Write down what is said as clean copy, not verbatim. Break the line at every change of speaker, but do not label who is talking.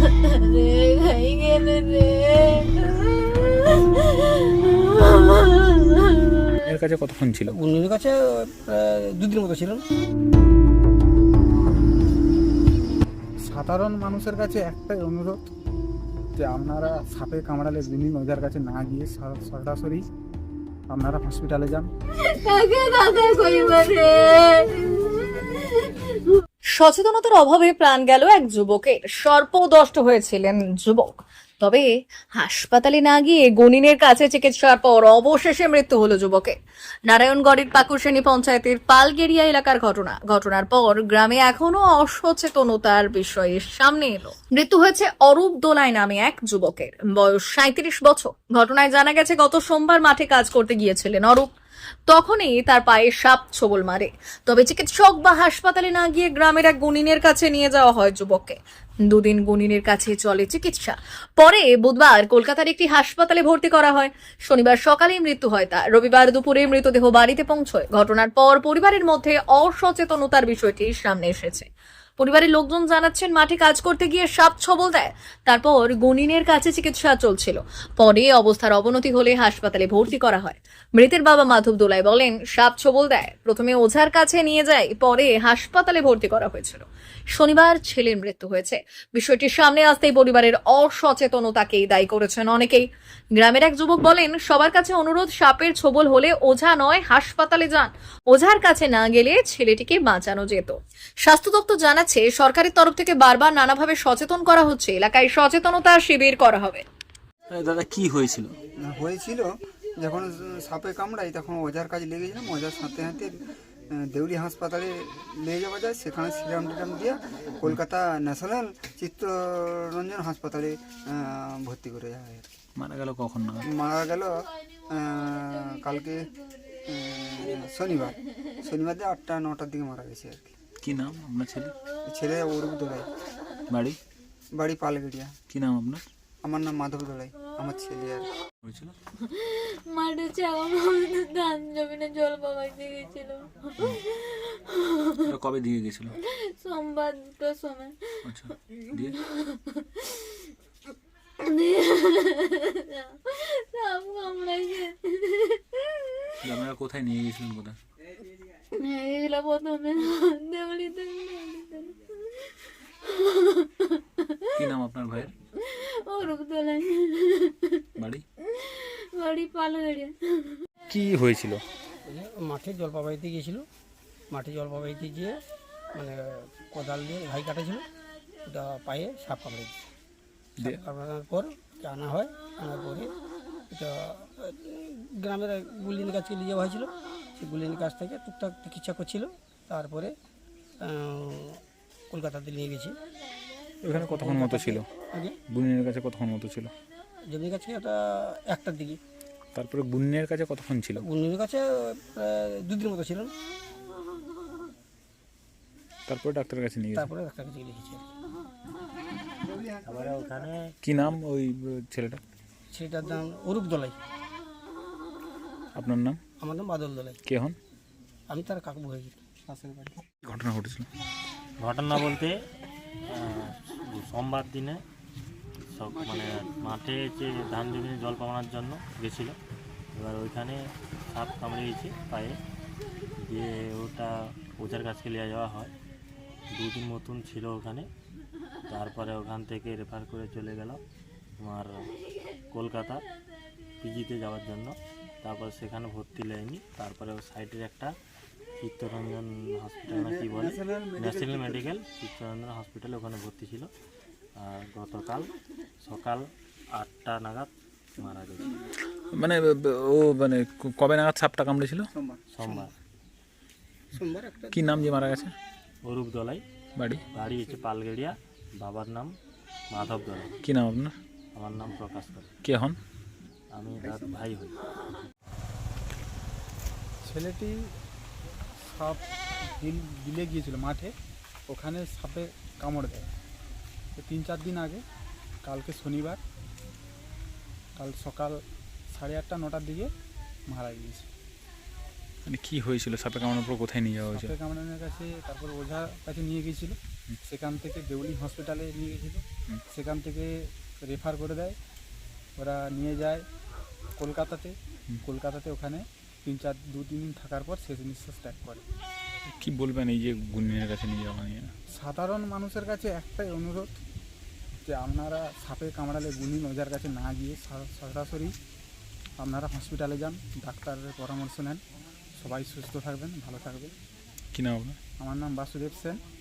রে খাই গেল রে।
এর কাছে কতক্ষণ ছিল?
গুনগুনির কাছে প্রায় 2 দিন মতো ছিলেন।
সাধারণ মানুষের কাছে একটাই অনুরোধ যে আপনারা সাপে কামড়ালে বিভিন্ন ওজার কাছে না গিয়ে সরাসরি আপনারা হসপিটালে যান।
কাকে দাদা কইবা রে।
সচেতনতার অভাবে প্রাণ গেল এক যুবকের। সর্পদষ্ট হয়েছিলেন যুবক, তবে হাসপাতালে না গিয়ে গনিনের কাছে চিকিৎসার পর অবশেষে মৃত্যু হলো যুবকের। নারায়ণগড়ের পাকুরশ্রেণী পঞ্চায়েতের পালগেরিয়া এলাকার ঘটনার পর গ্রামে এখনো অসচেতনতার বিষয়ে সামনে এলো। মৃত্যু হয়েছে অরূপ দোলাই নামে এক যুবকের, বয়স 37 বছর। ঘটনায় জানা গেছে গত সোমবার মাঠে কাজ করতে গিয়েছিলেন অরূপ। তখনই তার পায়ে সাপ ছোবল মারে। তবে চিকিৎসক বা হাসপাতালে না গিয়ে গ্রামের এক গুনিনের কাছে নিয়ে যাওয়া হয় যুবককে। 2 দিন গুনিনের কাছে চলে চিকিৎসা। পরে বুধবার কলকাতার একটি হাসপাতালে ভর্তি করা হয়। শনিবার সকালেই মৃত্যু হয় তার। রবিবার দুপুরে মৃতদেহ বাড়িতে পৌঁছয়। ঘটনার পর পরিবারের মধ্যে অসচেতনতার বিষয়টি সামনে এসেছে। পরিবারের লোকজন জানাচ্ছেন, মাঠে কাজ করতে গিয়ে সাপ ছবল দেয়। তারপর গুনিনের কাছে চিকিৎসা চলছিল। পরে অবস্থার অবনতি হলে হাসপাতালে ভর্তি করা হয়। মৃতের বাবা মাধব দোলাই বলেন, সাপ ছবল দেয়, প্রথমে ওঝার কাছে নিয়ে যায়, পরে হাসপাতালে ভর্তি করা হয়েছিল। শনিবার ছেলের মৃত্যু হয়েছে। বিষয়টি সামনে আসতেই পরিবারের অসচেতনতাকেই দায়ী করেছেন অনেকেই। গ্রামের এক যুবক বলেন, সবার কাছে অনুরোধ, সাপের ছোবল হলে ওঝা নয় হাসপাতালে যান। ওঝার কাছে না গেলে ছেলেটিকে বাঁচানো যেত। স্বাস্থ্য দপ্তর জানাচ্ছে, সরকারের তরফ থেকে বারবার নানাভাবে সচেতন করা হচ্ছে। এলাকায় সচেতনতা শিবির করা হবে।
দাদা কি হয়েছিল?
হয়েছিল যখন সাপে কামড়াই তখন ওজার কাজে লেগেছিলাম। ওজার সাথে সাথে দেউলি হাসপাতালে নিয়ে যাওয়া যায়, সেখানে সিরাম টিরাম দিয়ে কলকাতা ন্যাশনাল চিত্তরঞ্জন হাসপাতালে ভর্তি করে যায় আর কি।
মারা গেল কখন না?
মারা গেল কালকে শনিবার দিয়ে 8টা-9টার দিকে মারা গেছে আর কি।
কি নাম আপনার ছেলে?
ছেলে অরূপ দোলাই, বাড়ি পালগেরিয়া।
কি নাম আপনার?
আমার নাম মাধব দোলাই, আমার ছেলে আর কি।
হয়েছিল
মাঠে চাওয়া ধান জমিনে জল পাবাইতে গেছিল।
এটা কবে দিয়ে গেছিল?
সোমবার 2টার সময়।
আচ্ছা, দিয়ে
সাপ কামড়াইছে।
আপনারা কোথায় নিয়ে গেছিলেন? কোথায়
নিয়ে গেছিল প্রথমে দেউলিতে।
কি নাম আপনার ভাইয়ের?
অরূপ দোলাই, বাড়ি পালগেড়িয়া।
কি হয়েছিল?
মাঠে জল পাবাইতে গিয়েছিল। মাঠে জল পাবাইতে গিয়ে মানে কোদাল দিয়ে ঘাই কাটেছিল, ওটা পায়ে সাপ কামড়ে দিয়েছে। কামড়ানোর পর আনা হয়, আনার পরে এটা গ্রামের গুলিনের কাছে নিয়ে যাওয়া হয়েছিল। সেই গুলিনের কাছ থেকে টুকটাক চিকিৎসা করছিল। তারপরে কলকাতাতে নিয়ে গেছি।
ওখানে কতক্ষণ মতো ছিল?
আগে
বুনিনের কাছে কতক্ষণ মতো ছিল?
জমির কাছে ওটা 1টার দিকে।
তারপরে বুনিনের কাছে কতক্ষণ ছিল?
গুলিনের কাছে প্রায় 2 দিন মতো ছিলেন।
তারপরে ডাক্তারের কাছে নিয়ে গেছে।
তারপরে ডাক্তার কাছে লিখেছি।
কি নাম ওই ছেলেটা?
সেটার নাম অরূপ দোলাই।
আপনার নাম?
আমার নাম বাদল দোলাই।
কে হন?
আমি তার কাকু হয়েছি, পাশের বাড়ি।
ঘটনা ঘটেছিল?
ঘটনা বলতে সোমবার দিনে সব মানে মাঠে যে ধান জমিনে জল পাওয়ানোর জন্য গেছিলো। এবার ওইখানে সাপ কামড়িয়েছে পায়ে, দিয়ে ওটা ওঝার কাছে নিয়ে যাওয়া হয়। 2 দিন মতন ছিল ওখানে। তারপরে ওখান থেকে রেফার করে চলে গেল আমার কলকাতা পিজিতে যাওয়ার জন্য। তারপর সেখানে ভর্তি নেয়নি। তারপরে ও সাইডের একটা চিত্তরঞ্জন হসপিটাল না কি বলে, ন্যাশনাল মেডিকেল চিত্তরঞ্জন হসপিটালে ওখানে ভর্তি ছিল। আর গতকাল সকাল 8টা নাগাদ মারা গেছে।
মানে ও মানে কবে নাগাদ সাপটা কামড়েছিল?
সোমবার একটা।
কি নাম যে মারা গেছে?
অরূপ দোলাই,
বাড়ি
হচ্ছে পালগেড়িয়া। বাবার নাম মাধব দোলাই।
কি নাম আপনার?
আমার নাম প্রকাশ করে।
কে হন?
আমি তার ভাই হই।
ছেলেটি সাপ দিলে গিয়েছিল মাঠে, ওখানে সাপে কামড় দেয়। 3-4 দিন আগে, কালকে শনিবার, কাল সকাল 8:30-9টার দিকে মারা গিয়েছে।
মানে কি হয়েছিল? সাপে কামড়ানোর পর কোথায় নিয়ে যাওয়া হয়েছিল?
সাপে কামড়ানোর কাছে, তারপর ওঝার কাছে নিয়ে গিয়েছিল।
সেখান থেকে দেউলি হসপিটালে নিয়ে গেছিল, সেখান থেকে রেফার করে দেয়, ওরা নিয়ে যায় কলকাতাতে। কলকাতাতে ওখানে 2-3 দিন থাকার পর শেষ নিঃশ্বাস ত্যাগ করে।
কি বলবেন এই যে গুণিনের কাছে নিয়ে যাওয়া নিয়ে?
সাধারণ মানুষের কাছে একটাই অনুরোধ যে আপনারা সাপে কামড়ালে গুণিন ওজার কাছে না গিয়ে সরাসরি আপনারা হসপিটালে যান, ডাক্তারের পরামর্শ নেন। সবাই সুস্থ থাকবেন, ভালো থাকবেন।
কি নাম আপনার?
আমার নাম বাসুদেব সেন।